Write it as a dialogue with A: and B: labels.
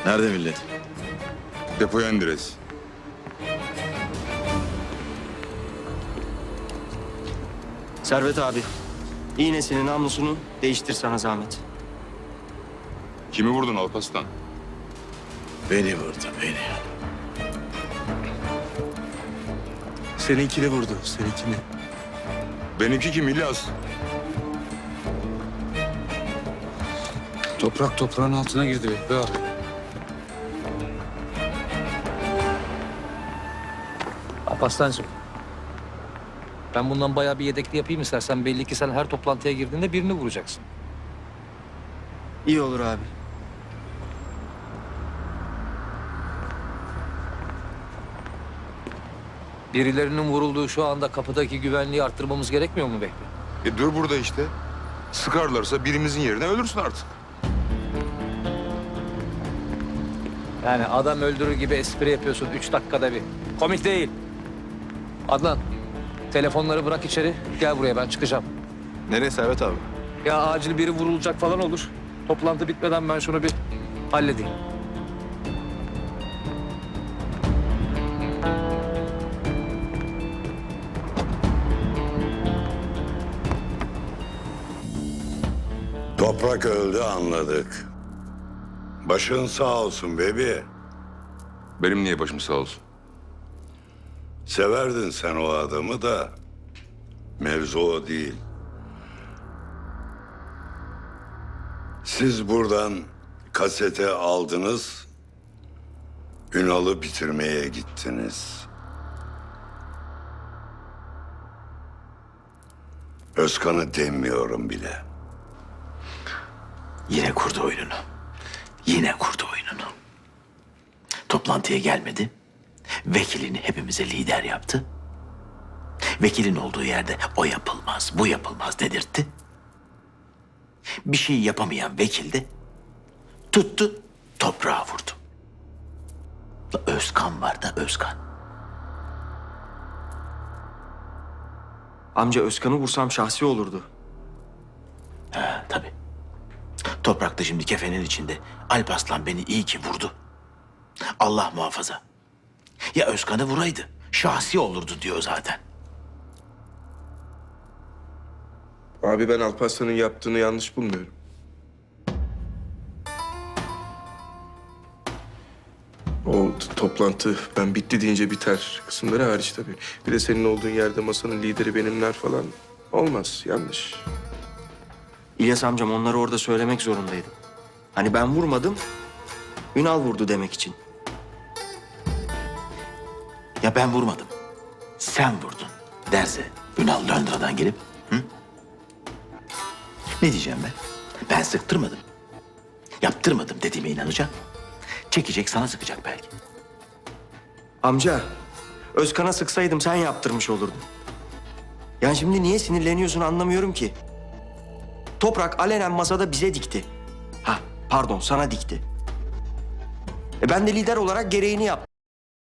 A: Nerede millet?
B: Depoya indiririz.
C: Servet abi, iğnesini, namlusunu değiştir sana zahmet.
B: Kimi vurdun Alparslan?
A: Beni vurdu, beni.
D: Seninkini vurdu, seninkini.
B: Benimki kim İlyas?
D: Toprak toprağın altına girdi be abi.
E: Alparslan'cığım. Ben bundan bayağı bir yedekli yapayım istersen. Belli ki sen her toplantıya girdiğinde birini vuracaksın.
C: İyi olur abi.
E: Birilerinin vurulduğu şu anda kapıdaki güvenliği arttırmamız gerekmiyor mu Vehbi?
B: Dur burada işte. Sıkarlarsa birimizin yerine ölürsün artık.
E: Yani adam öldürür gibi espri yapıyorsun 3 dakikada bir. Komik değil. Adnan, telefonları bırak içeri. Gel buraya, ben çıkacağım.
A: Nereye Servet abi?
E: Ya acil biri vurulacak falan olur. Toplantı bitmeden ben şunu bir halledeyim.
F: Toprak öldü anladık. Başın sağ olsun bebi.
B: Benim niye başım sağ olsun?
F: Severdin sen o adamı da mevzu o değil. Siz buradan kasete aldınız, Ünal'ı bitirmeye gittiniz. Özkan'ı demiyorum bile.
G: Yine kurdu oyununu. Yine kurdu oyununu. Toplantıya gelmedi. Vekilini hepimize lider yaptı. Vekilin olduğu yerde o yapılmaz, bu yapılmaz dedirtti. Bir şey yapamayan vekil de tuttu, toprağa vurdu. Özkan var da Özkan.
C: Amca Özkan'ı vursam şahsi olurdu.
G: Ha, tabii. Toprak da şimdi kefenin içinde. Alparslan beni iyi ki vurdu. Allah muhafaza. Ya Özkan'ı vuraydı, şahsi olurdu diyor zaten.
D: Abi ben Alparslan'ın yaptığını yanlış bulmuyorum. O toplantı ben bitti deyince biter kısımları hariç tabii. Bir de senin olduğun yerde masanın lideri benimler falan olmaz, yanlış.
C: İlyas amcam onları orada söylemek zorundaydım. Hani ben vurmadım, Ünal vurdu demek için.
G: Ya ben vurmadım, sen vurdun derse Ünal Londra'dan gelip... Hı? Ne diyeceğim ben? Ben sıktırmadım. Yaptırmadım dediğime inanacak. Çekecek sana sıkacak belki.
C: Amca, Özkan'a sıksaydım sen yaptırmış olurdun. Yani şimdi niye sinirleniyorsun anlamıyorum ki. Toprak alenen masada bize dikti. Ha, pardon sana dikti. Ben de lider olarak gereğini yaptım.